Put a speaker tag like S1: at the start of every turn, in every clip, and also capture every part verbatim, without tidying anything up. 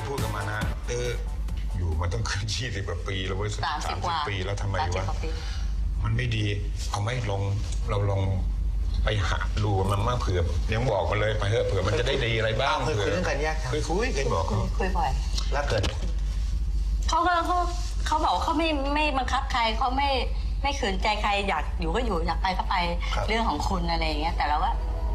S1: พูดกับมานะเอออยู่มาต้องขึ้นยี่สิบกว่าปีแล้วเว้ยสามสิบปีแล้วทำไมวะมันไม่ดีเอาไม่ลองเราลองไปหาดูมันมากเผื่อยังบอกมาเลยไปเถอะเผื่อมันจะได้ดีอะไรบ้าง
S2: เคยคุยเรื่องการแยก
S1: เคยคุยเคยบอก
S3: คุยบ่อย
S2: แล้วเกิด
S3: เขาก็เขาเขาบอกเขาไม่ไม่บังคับใครเขาไม่ไม่ขืนใจใครอยากอยู่ก็อยู่อยากไปก็ไปเรื่องของคุณอะไรอย่างเงี้ยแต่เราก็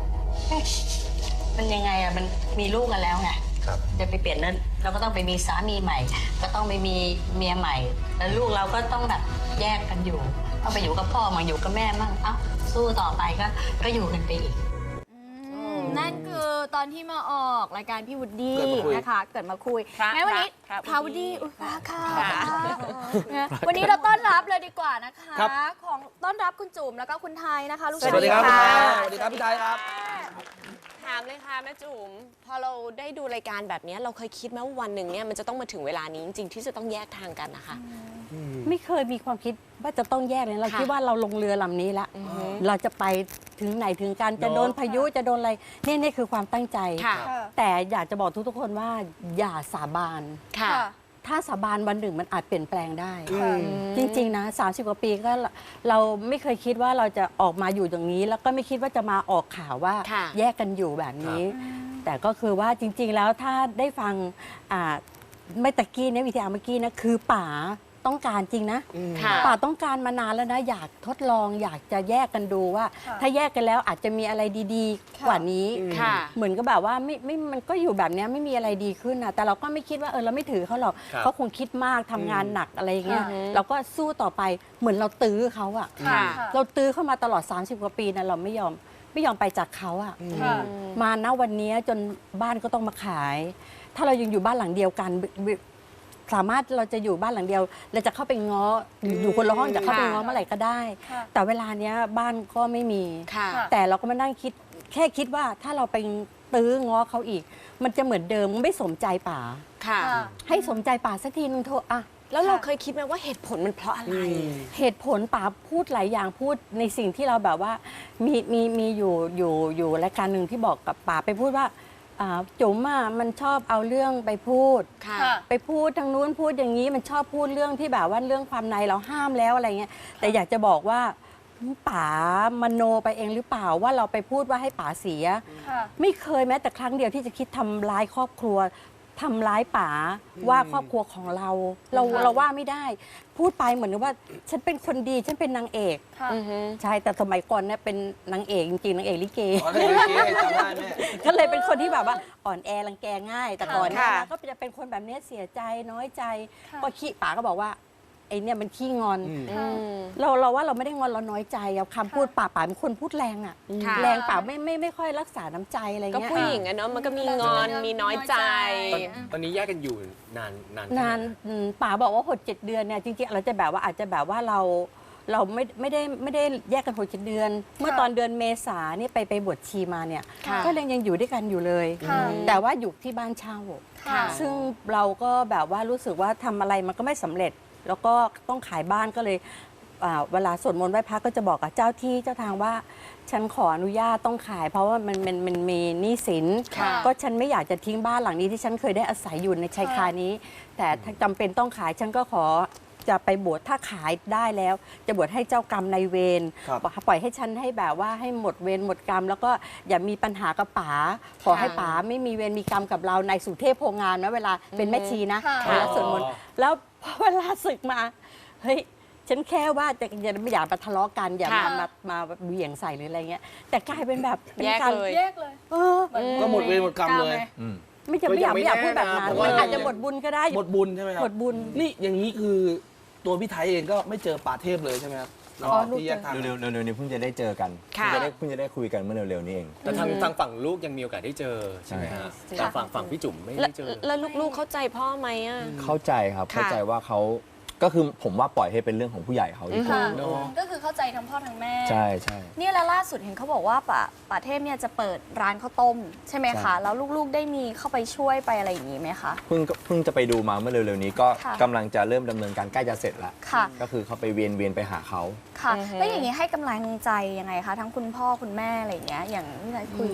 S3: มันยังไงอะมันมีลูกกันแล้วไงจะไปเปลี่ยนนั้นเราก็ต้องไปมีสามีใหม่ก็ต้องไปมีเมียใหม่แล้วลูกเราก็ต้องแบบแยกกันอยู่ต้องไปอยู่กับพ่อมาอยู่กับแม่มั่งเอ้าสู้ต่อไปก็ก็อยู่กันไปอีก
S4: นั่นคือตอนที่มาออกรายการพี่วุฒินะคะเกิดมาคุยงั้นวันนี้พระวุฒิอุปาค่ะวันนี้เราต้อนรับเลยดีกว่านะคะของต้อนรับคุณจุ๋มแล้วก็คุณไทยนะคะลูกชาย
S5: สวัสดีครับสวัสดีครับพี่ไทยครับ
S6: ถามเลยค่ะแม่จุ๋มพอเราได้ดูรายการแบบนี้เราเคยคิดไหมว่าวันหนึ่งเนี่ยมันจะต้องมาถึงเวลานี้จริงๆที่จะต้องแยกทางกันนะคะ
S3: ไม่เคยมีความคิดว่าจะต้องแยกเลยเราคิดว่าเราลงเรือลำนี้แล้วเราจะไปถึงไหนถึงกันจะโดนพายุจะโดนอะไรนี่นี่คือความตั้งใจแต่อยากจะบอกทุกๆคนว่าอย่าสาบานถ้าสาบานวันหนึ่งมันอาจเปลี่ยนแปลงได้จริงๆนะสามสิบกว่าปีก็เราไม่เคยคิดว่าเราจะออกมาอยู่ตรงนี้แล้วก็ไม่คิดว่าจะมาออกข่าวว่าแยกกันอยู่แบบนี้แต่ก็คือว่าจริงๆแล้วถ้าได้ฟังไม่ตะกี้เนี่ยวิทยาเมื่อกี้นะคือป๋าต้องการจริงนะป่าต้องการมานานแล้วนะอยากทดลองอยากจะแยกกันดูว่าถ้าแยกกันแล้วอาจจะมีอะไรดีๆกว่านี้เหมือนกับแบบว่าไม่ไม่มันก็อยู่แบบนี้ไม่มีอะไรดีขึ้นนะแต่เราก็ไม่คิดว่าเออเราไม่ถือเขาหรอกเขาคงคิดมากทำงานหนักอะไรอย่างเงี้ยเราก็สู้ต่อไปเหมือนเราตื้อเขาอะเราตื้อเข้ามาตลอดสามสิบกว่าปีนะเราไม่ยอมไม่ยอมไปจากเขาอะมาณวันนี้จนบ้านก็ต้องมาขายถ้าเรายังอยู่บ้านหลังเดียวกันสามารถเราจะอยู่บ้านหลังเดียวเราจะเข้าไปง้ออยู่คนละห้องจะเข้าไปง้อเมื่อไหร่ก็ได้แต่เวลาเนี้ยบ้านก็ไม่มีแต่เราก็มานั่งคิดแค่คิดว่าถ้าเราไปตื้อง้อเขาอีกมันจะเหมือนเดิมไม่สมใจป๋าให้สมใจป๋าสักทีนึงเถอะอะ
S6: แล้วเราเคยคิดไหมว่าเหตุผลมันเพราะอะไร
S3: เหตุผลป๋าพูดหลายอย่างพูดในสิ่งที่เราแบบว่ามีมีมีอยู่อยู่อยู่รายการหนึ่งที่บอกกับป๋าไปพูดว่าจุ๋มอ่ะมันชอบเอาเรื่องไปพูดไปพูดทางนู้นพูดอย่างนี้มันชอบพูดเรื่องที่แบบว่าเรื่องความในเราห้ามแล้วอะไรเงี้ยแต่อยากจะบอกว่าป๋ามโนไปเองหรือเปล่าว่าเราไปพูดว่าให้ป๋าเสียไม่เคยแม้แต่ครั้งเดียวที่จะคิดทำร้ายครอบครัวทำร้ายป๋าว่าครอบครัวของเราเราเราว่าไม่ได้พูดไปเหมือนว่าฉันเป็นคนดีฉันเป็นนางเอกใช่แต่สมัยก่อนเนี่ยเป็นนางเอกจริงๆนางเอกลิเกก็เลยเป็นคนที่แบบว่าอ่อนแอรังแกง่ายแต่ก่อนเนี่ยก็จะเป็นคนแบบนี้เสียใจน้อยใจก็ขี้ป๋าก็บอกว่าไอ้เนี่ยมันขี้งอนเราเราว่าเราไม่ได้งอนเราน้อยใจเอาคำพูดป่าป่าเป็นคนพูดแรงอ่ะแรงป่าไม่ไม่ไม่ค่อยรักษาน้ำใจอะไรเงี้ย
S6: ก็ผู้หญิงอะเนาะมันก็มีงอนมีน้อยใจ
S5: ตอนนี้แยกกันอยู่นานนาน
S3: นานป่าบอกว่าหกเจ็ดเดือนเนี่ยจริงๆเราจะแบบว่าอาจจะแบบว่าเราเราไม่ไม่ได้ไม่ได้แยกกันหกเจ็ดเดือนเมื่อตอนเดือนเมษาเนี่ยไปไปบวชชีมาเนี่ยก็ยังยังอยู่ด้วยกันอยู่เลยแต่ว่าอยู่ที่บ้านเช่าซึ่งเราก็แบบว่ารู้สึกว่าทำอะไรมันก็ไม่สำเร็จแล้วก็ต้องขายบ้านก็เลยเวลาสวดมนต์ไหว้พระก็จะบอกกับเจ้าที่เจ้าทางว่าฉันขออนุญาตต้องขายเพราะว่ามันมันมันมีหนี้สินก็ฉันไม่อยากจะทิ้งบ้านหลังนี้ที่ฉันเคยได้อาศัยอยู่ในชายคานี้แต่ถ้าจำเป็นต้องขายฉันก็ขอจะไปบวชถ้าขายได้แล้วจะบวชให้เจ้ากรรมนายเวรปล่อยให้ฉันให้แบบว่าให้หมดเวรหมดกรรมแล้วก็อย่ามีปัญหากับป๋าขอให้ป๋าไม่มีเวรมีกรรมกับเราในสุเทพโพงามนะเวลาเป็นแม่ชีนะเวลาสวดมนต์แล้วพอเวลาศึกมาเฮ้ยฉันแค่ว่าจะอย่าไม่อยากมาทะเลาะกันอย่ามามามาเหวี่ยงใส่หรืออะไรเงี้ยแต่กลายเป็นแบบ
S6: แยกเลยแย
S4: กเลย
S5: ก็หมดเวรหมดกรรมเลย
S3: ไม่จะไม่อยากไม่อยากพูดแบบนั้นมันอาจจะหมดบุญก็ได้
S5: หมดบุญใช่ไหมครับ
S3: หมดบุญ
S5: นี่อย่างนี้คือตัวพี่ไทยเองก็ไม่เจอป่าเทพเลยใช่ไหมครับที่แยกทาง
S7: เร็วๆเร็วๆนี้เพิ่งจะได้เจอกันเพิ่งจะได้เพิ่งจะได้คุยกันเมื่อเร็วๆนี้เอง
S5: แต่ทางทางฝั่งลูกยังมีโอกาสได้เจอใช่ไหมฮะแต่ฝั่งฝั่งพี่จุ๋มไม่ได้เจอ
S6: แล้วลูกๆเข้าใจพ่อไหมอ่ะ
S7: เข้าใจครับเข้าใจว่าเขาก็คือผมว่าปล่อยให้เป็นเรื่องของผู้ใหญ่เขาดีกว่า
S4: ก็คือเข้าใจทั้งพ่อทั้งแม่
S7: ใช่ใช่
S4: นี่แล้วล่าสุดเห็นเขาบอกว่าป่าป่าเทพเนี่ยจะเปิดร้านข้าวต้มใช่ไหมคะแล้วลูกๆได้มีเข้าไปช่วยไปอะไรอย่างนี้ไหมคะ
S7: เพิ่งเพิ่งจะไปดูมาเมื่อเร็วๆนี้ก็กำลังจะเริ่มดำเนินการใกล้จะเสร็จแล้วก็คือเขาไปเวียนเวียนไปหาเขา
S4: ค่ะแล้วอย่างนี้ให้กำลังใจยังไงคะทั้งคุณพ่อคุณแม่อะไรอย่างเงี้ยอย่างที่เราคุย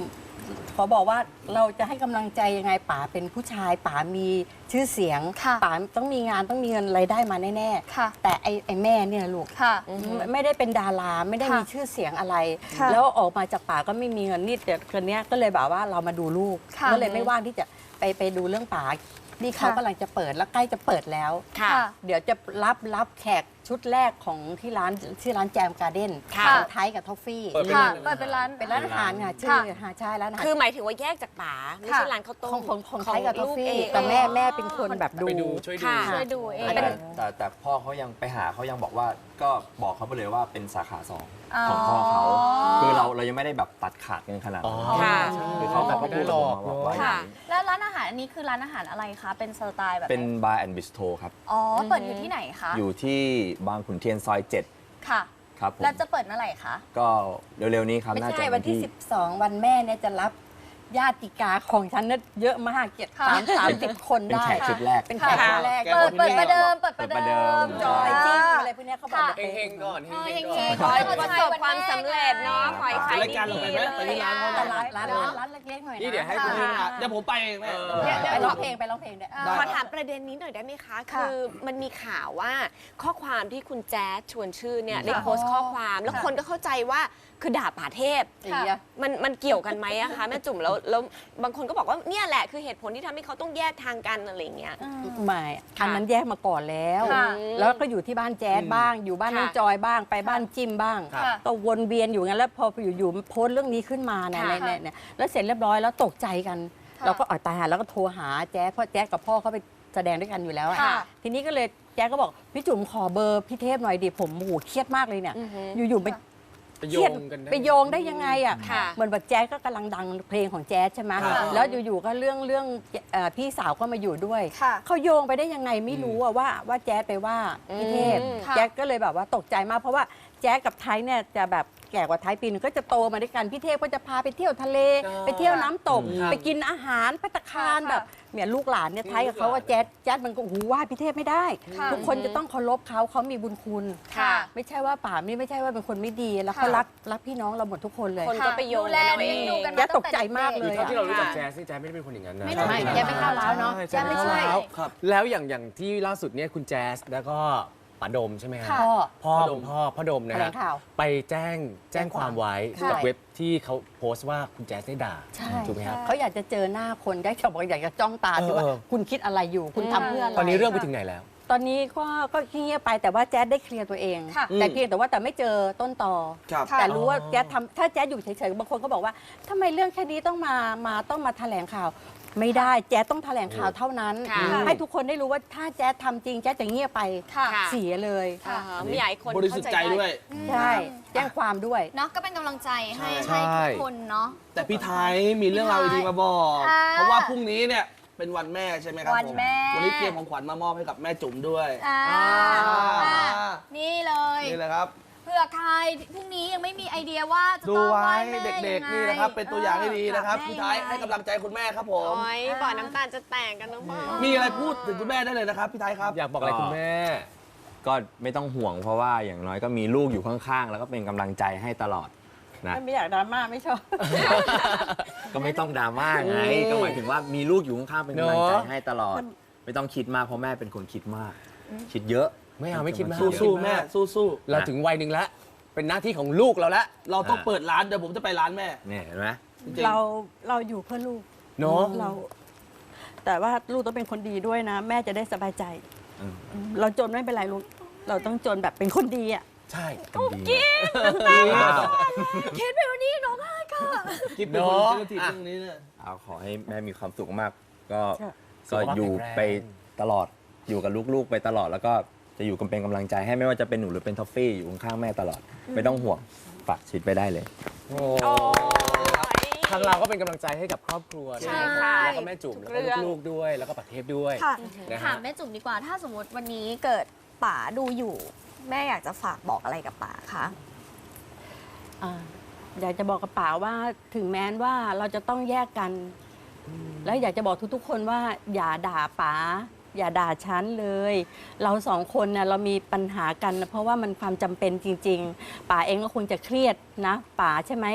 S3: ขอบอกว่าเราจะให้กำลังใจยังไงป๋าเป็นผู้ชายป๋ามีชื่อเสียง
S4: ค่ะ
S3: ป๋าต้องมีงานต้องมีเงินรายได้มาแน่
S4: ค่ะ
S3: ๆแต่ไอ้ไอ้แม่เนี่ยลูก
S4: ค่ะ
S3: ไม่ได้เป็นดาราไม่ได้
S4: ค่ะ
S3: มีชื่อเสียงอะไร
S4: ค่ะ
S3: แล้วออกมาจากป่าก็ไม่มีเงินนี่แต่คนเนี้ยก็เลยแบบว่าเรามาดูลูก
S4: ค่ะ
S3: ก็เลยไม่ว่างที่จะไปไปดูเรื่องป่านี่เขา
S4: ค่ะ
S3: กำลังจะเปิดแล้วใกล้จะเปิดแล้ว
S6: ค่ะ
S3: เดี๋ยวจะรับรับแขกชุดแรกของที่ร้านที่ร้านแจมการ์เด้น
S6: ค่ะ
S3: ของไทยกับทอฟฟี่
S5: เปิดเป็น
S4: ค่ะ
S5: ร้าน
S4: เปิดเป็นร้าน
S3: เป็นร้านอาหารค่ะชื่อหาใช่ร้านอาหาร
S6: คือหมายถึงว่าแยกจากป๋าไม่ใช่ร้านข้าวต้
S3: ขอ
S6: ม
S3: งของของไทยกับทอฟ
S6: ลูก
S3: ฟี่
S6: เอง
S3: แต่แม่แม่เป็นคนแบบดู
S5: ไปดูช่วยดู
S6: ค่ะ
S4: ช่วยดูเอง
S7: แต่แต่แต่พ่อเขายังไปหาเขายังบอกว่าก็บอกเขาไปเลยว่าเป็นสาขาสองของพ่อเขา
S4: อ๋อ
S7: คือเราเรายังไม่ได้แบบตัดขาดกันขนาดนั้น
S6: ค่ะ
S7: คือเขาแบบก็พูดกับผมมาว่าอย่าง
S6: ค่ะ
S7: นี้
S4: แล้วร้านอาหารอันนี้คือร้านอาหารอะไรคะ เป็นสไตล์แบบไห
S7: เป็นบาร์แอนด์บิสโทครับ
S4: อ๋อ เปิดอยู่ที่ไหนคะ
S7: อยู่ที่บางขุนเทียนซอยเจ็ด
S4: ค่ะ
S7: ครับผม
S4: แล้วจะเปิดเมื่อไหร่คะ
S7: ก็เร็วๆนี้ครับ
S3: ไม่
S7: น่าจะ
S3: ใช่วันที่ สิบสอง วันแม่เนี่ยจะรับญาติกาของฉันเนี่ยเยอะมากเจ็ด
S4: ค่ะ
S3: สามสามสิบคน
S7: เป็น
S3: ได้
S7: แขกชุดแรก
S3: เป็นแขกชุดแรก
S5: แก
S4: เปิด
S5: คน
S4: เปิด
S5: แรก
S4: ประเดิม เปิดประ
S7: เปิดประเดิ
S4: เดิ
S7: ม
S4: ม
S3: จอยจิ้งอะไรพวกเนี้ยเขาบอก
S4: ค่ะ
S3: เดี๋ยว
S5: เฮงๆก่อน
S4: เออ
S5: เฮงๆ
S4: เฮ
S5: ก่อน
S4: งๆ
S6: ขอให้ประสบความสำเร็จเนาะขอให้ขาย
S5: รายการเรา
S6: ดี
S5: ไปไหม
S6: ๆ
S5: ไปที่ร้านเขา
S3: แต่
S5: ไหม
S3: ร้านร้านร้านร้านเล็กๆหน่อย
S5: นี่เดี๋ยวให้
S3: นะ
S5: คุณพี่นะเดี๋ยวผมไปเองแม่
S3: ไปร้องเพลงไปร้องเพลงด้วย
S5: ได้
S6: ขอถามประเด็นนี้หน่อยได้ไหมคะ
S4: ค่ะ
S6: คือมันมีข่าวว่าข้อความที่คุณแจ๊ดชวนชื่อเนี่ยได้
S4: ค่ะ
S6: โพสต์ข้อความ แล้ว
S4: ค่ะ
S6: คนก็เข้าใจว่าคือด่าป่าเทพ
S3: อย่างเงี้ย
S6: มันมันเกี่ยวกันไหมอะคะแม่จุ๋มแล้วแล้วบางคนก็บอกว่าเนี่ยแหละคือเหตุผลที่ทำให้เขาต้องแยกทางกันอะไรอย่างเงี้ย
S3: ไม่อันนั้นแยกมาก่อนแล้ว
S4: ค่ะ
S3: แล้วก็อยู่ที่บ้านแจ๊ดบ้าง อยู่บ้านน้อง
S6: ค่ะ
S3: จอยบ้าง ไปบ้านจิ้มบ้าง
S5: ครับ
S4: ค่ะ
S3: ก็วนเวียนอยู่งั้นแล้วพออยู่ๆโพสต์เรื่องนี้ขึ้นมาเนี่ย
S6: ค่ะ
S3: ในในเนี่ยแล้วเสร็จเรียบร้อยแล้วตกใจกัน
S4: ค่ะ
S3: เราก็อ่อยตายหาแล้วก็โทรหาแจ๊ดเพราะแจ๊ดกับพ่อเขาไปแสดงด้วยกันอยู่แล้วอะ
S4: ค่ะ
S3: ทีนี้ก็เลยแจ๊ดก็บอกพี่จุ๋มขอเบอร์พี่เทพหน่อยดิผมโอ้โหเครียดมากเลยเนี่ย
S6: อือฮึ
S3: อยู่ๆไป
S5: ไป
S3: เค
S5: โย
S3: รียด
S5: งกันได้
S3: ไปโยงได้ยังไงอ่ะ
S6: ค่ะ
S3: เหมือนแบบแจ๊สก็กำลังดังเพลงของแจ๊สใช่ไหม
S5: ค่ะ
S3: แล้วอยู่ๆก็เรื่องเรื่องเอ่อพี่สาวก็มาอยู่ด้วย
S4: ค่ะ
S3: เขาโยงไปได้ยังไงไม่รู้อะว่าว่าแจ๊สไปว่าพี่เทพ
S6: อืม
S4: ค่ะ
S3: แจ๊สก็เลยแบบว่าตกใจมากเพราะว่าแจ๊สกับไทยเนี่ยจะแบบแก่กว่าไทยปีนึงก็จะโตมาด้วยกันพี่เทพก็จะพาไปเที่ยวทะเล ไปเที่ยวน้ำตก
S5: ครับ
S3: ไปกินอาหารภัตตาคาร
S4: ค่ะ
S3: แบบเนี่ยลูกหลานเนี่ยไทยกับเขาว่าแจ๊สแจ๊สมันก็หูว่าพี่เทพไม่ได้
S4: ค่ะ
S3: ทุกคนจะต้องเคารพเขาเขามีบุญคุณ
S6: ค่ะ
S3: ไม่ใช่ว่าป่านี่ไม่ใช่ว่าเป็นคนไม่ดีแล้วเขา
S4: ค่ะ
S3: รักรักพี่น้องเราหมดทุกคนเลย
S6: คนก็ไปโยง
S4: ดูแล
S6: กันเอา
S4: เลี้ยงดู
S6: เอง
S4: กัน
S3: แจ๊
S4: มา
S3: ดตกใจมากเล
S2: คือย เท่าที่เรารู้จักแจ๊สนี่แจ๊สไม่ได้เป็นคนอย่างนั้นนะ
S4: ไม่ได้
S3: ไม่แจ๊สไม่ก้าวร้าวเนาะแจ๊สไม่ใช่
S2: ก้าวร้าว
S5: ครับ
S2: แล้วอย่างอย่างที่ล่าสุดเนี่ยคุณแจ๊สแล้วก็ป๋าดมใช่ไหมครับ
S3: พ่อ
S2: พ่อ
S5: พ่อดม
S2: พ่อพ่อดมนะ
S3: แถล
S2: ฮะ
S3: งข่าว
S2: ไปแจ้งแจ้งความไว้
S3: ใช่
S2: กับเว็บที่เขาโพสต์ว่าคุณแจ๊สได้ด่า
S3: ใช่
S2: ถูกไหมครับ
S3: เขาอยากจะเจอหน้าคนได้เขาบอกอยากจะจ้องตาดูว่า
S2: เออ
S3: คุณคิดอะไรอยู่ คุณทำเพื่ออะไร
S2: ตอนนี้เรื่องไปถึงไหนแล้ว
S3: ตอนนี้ก็ก็เงียบไปแต่ว่าแจ๊ดได้เคลียร์ตัวเอง
S4: ค่ะ
S3: แต่เพียงแต่ว่าแต่ไม่เจอต้นตอ
S5: ครับ
S3: แต่รู้ว่าแจ๊ดทำถ้าแจ๊ดอยู่เฉยๆบางคนก็บอกว่าทำไมเรื่องแค่นี้ต้องมามาต้องมาแถลงข่าว ไม่ได้แจ๊ดต้องแถลงข่าวเท่านั้น
S6: ค่ะ
S3: ให้ทุกคนได้รู้ว่าถ้าแจ๊ดทำจริงแจ๊ดจะเงียบไป
S4: ค่ะ
S3: เสียเลย
S6: อ่าฮะไม่อยากให้คน
S5: บริสุทธิ์ใจด้วย
S3: ใช่แจ้งความด้วย
S4: เนาะก็เป็นกำลังใจให้
S2: ใช่
S4: ให้ทุกคนเนาะ
S5: แต่พี่ไทยมีเรื่องราวดีๆมาบอก
S4: ค่ะ
S5: เพราะว่าพรุ่งนี้เนี่ยเป็นวันแม่ใช่ไหมครับ
S4: วันแม่
S5: ผวันนี้เตรียมของขวัญมามอบให้กับแม่จุ๋มด้วย
S4: อ่า
S5: อ่า
S4: อ่านี่เลย
S5: นี่แหละครับ
S4: เผื่อใครพรุ่งนี้ยังไม่มีไอเดียว่าจะ
S5: ดู
S4: ต้อง
S5: ไว้
S4: ไหว้แม่
S5: เด็ก
S4: ยังไง
S5: ๆนี่นะครับ เป็นตัวอย่างที่ดีนะครับ
S4: เออ
S5: พี่ไทยให้กำลังใจคุณแม่ครับผม
S6: โอ้ยบ่อน้ำตาลจะแตกกันน้องพ่อ
S5: มีอะไรพูดถึงคุณแม่ได้เลยนะครับพี่ไทยครับ
S2: อยากบอกอะไรคุณแม่
S7: ก็ไม่ต้องห่วงเพราะว่าอย่างน้อยก็มีลูกอยู่ข้างๆ แล้วก็เป็นกำลังใจให้ตลอดนะ
S3: ไม่อยากดราม่าไม่ชอบ
S7: ก็ไม่ต้องดราม่าไง
S2: อืม
S7: ก็หมายถึงว่ามีลูกอยู่ข้างๆเป็นกำลังใจ
S2: เนอะ
S7: ให้ตลอด ไม่ต้องคิดมากเพราะแม่เป็นคนคิดมาก คิดเยอะ
S2: ไม่เอาไม่คิดมาก
S5: สู้ๆแม่สู้
S2: เราถึงวัยหนึ่งแล้ว เป็นหน้าที่ของลูกเราแล้ว
S5: ๆเราต้องเปิดร้านเดี๋ยวผมจะไปร้านแม่
S7: เนี่ยเห็นไหม
S5: จริงๆ
S3: เราเราอยู่เพื่อลูก
S2: เนาะ
S3: เรา แต่ว่าลูกต้องเป็นคนดีด้วยนะ แม่จะได้สบายใจ
S7: อืม
S3: เราจนไม่เป็นไรลูกเราต้องจนแบบเป็นคนดีอ่ะ
S2: ใช่
S7: เป็นดีนะ
S4: คิดไปวันนี้น้องไห้ค่ะ
S5: คิดเป็นคน
S2: เนอะ
S5: เซนซิทีฟเรื่องนี้เนี่ย
S7: เอาขอให้แม่มีความสุขมาก ก็
S3: ใช่
S7: ก็อยู่ไปตลอดอยู่กับลูกๆไปตลอดแล้วก็จะอยู่กันเป็นกำลังใจให้ไม่ว่าจะเป็นหนูหรือเป็นทอฟฟี่อยู่ข้างๆแม่ตลอด ไม่ต้องห่วงฝากชีวิตไปได้เลย
S2: โอ้
S6: โอ้ย
S2: ทางเราก็เป็นกำลังใจให้กับครอบครัวด้วย
S6: ใช่
S2: นะครับแล้วก็แม่จุ๋ม
S6: ทุ
S2: แล้ว
S6: กเรื่
S2: ก็
S6: อง
S2: ลูกๆด้วย แล้วก็ประเทศด้วย
S4: ค่ะ
S2: นะฮะ
S4: ถามแม่จุ๋มดีกว่า ถ้าสมมติวันนี้เกิดป๋าดูอยู่ แม่อยากจะฝากบอกอะไรกับป๋าคะ
S3: อ่าอยากจะบอกกับป๋าว่าถึงแม้นว่าเราจะต้องแยกกัน แล้วอยากจะบอกทุกๆ คนว่าอย่าด่าป๋าอย่าด่าฉันเลย เราสองคนน่ะเรามีปัญหากันนะเพราะว่ามันความจำเป็นจริง ๆป๋าเองก็คงจะเครียดนะป๋าใช่ไหม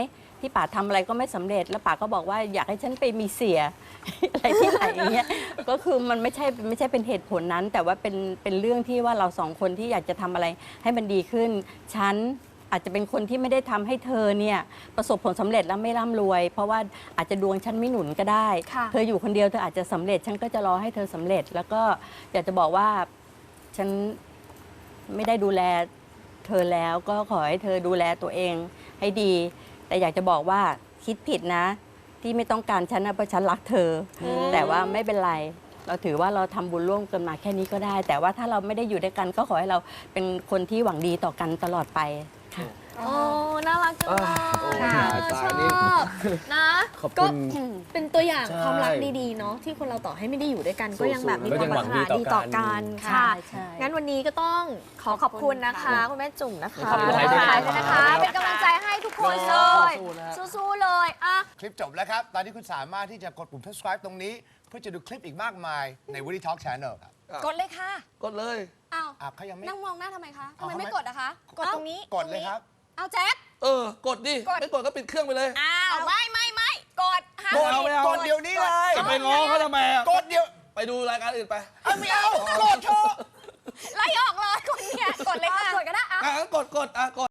S3: ที่ป๋าทำอะไรก็ไม่สำเร็จ แล้วป๋าก็บอกว่าอยากให้ฉันไปมีเสีย อะไรที่ไหนอย่างเงี้ยก็คือมันไม่ใช่ไม่ใช่เป็นเหตุผลนั้น แต่ว่าเป็นเป็นเรื่องที่ว่าเราสองคนที่อยากจะทำอะไรให้มันดีขึ้นฉันอาจจะเป็นคนที่ไม่ได้ทำให้เธอเนี่ยประสบผลสำเร็จแล้วไม่ร่ำรวย เพราะว่าอาจจะดวงฉันไม่หนุนก็ได้
S4: ค่ะ
S3: เธออยู่คนเดียวเธออาจจะสำเร็จฉันก็จะรอให้เธอสำเร็จ แล้วก็อยากจะบอกว่าฉันไม่ได้ดูแลเธอแล้วก็ขอให้เธอดูแลตัวเองให้ดี แต่อยากจะบอกว่าคิดผิดนะ ที่ไม่ต้องการฉันนะเพราะฉันรักเธออแต่ว่าไม่เป็นไร เราถือว่าเราทำบุญร่วมกันมาแค่นี้ก็ได้ แต่ว่าถ้าเราไม่ได้อยู่ด้วยกัน ก็ขอให้เราเป็นคนที่หวังดีต่อกันตลอดไปค่ะ
S4: โอ้น่ารักจังเลย
S5: โอ้ย
S4: ค่ะ
S5: ตาย
S4: ชอ
S5: นี่
S4: บนะ
S2: ขอบ
S4: ก็
S2: คุณ
S4: เป็นตัวอย่าง
S2: ใช่
S4: ความรักดีๆเนาะที่คนเราต่อให้ไม่ได้อยู่ด้วยกัน ก็ยังแบบมี
S2: ก็
S4: ค
S2: ยั
S4: วาม
S2: ง
S4: ป
S2: หวั
S4: ราง รถ
S2: ดี
S4: นา
S2: ต่อ
S4: ดี
S2: กัน
S4: ต่อกัน
S3: ค่ะ
S4: ค่ะ
S3: ใช่
S4: งั้นวันนี้ก็ต้องขอขอบคุณนะคะคุณแม่จุ๋มนะคะ
S2: ขอบคุณครับ
S4: ด้วยนะคะ เป็นกำลังใจให้ทุกคนเลย
S5: สู้ๆนะฮะ
S4: สู้ๆเลยอ่ะ
S8: คลิปจบแล้วครับ ตอนนี้คุณสามารถที่จะกดปุ่ม subscribe ตรงนี้ เพื่อจะดูคลิปอีกมากมายใน Woody Talk Channel ครับ
S6: กดเลยค่ะ
S5: กดเลย
S4: อ้าว
S8: อ่ะเขายังไม่
S4: นั่งมองหน้าทำไมคะทำ
S8: เอา
S4: ไม
S8: ทำไม
S4: ไม่กดอะคะ
S6: กดตรงนี้
S8: กดเลยครับ
S4: เอาแจ็ค
S5: เออ กดดิ ไม่กดก็ปิดเครื่องไปเลย
S6: อ้าวไม่ไม่ไม่กดห้าม
S5: กดเอาไม่เอา
S8: กดเดี๋ยวนี้เลย
S5: จะไปง้อเขาทำไมอะ
S8: กดเดี๋ยว
S5: ไปดูรายการอื่นไป
S8: เอาไม่เอา กดเถอะ
S6: ไล่ออกเลยคนเนี่ยกดเลยค่ะ
S4: กดก็ได้อ่ะ
S5: อ่ะงั้นกดกดอ่ะกด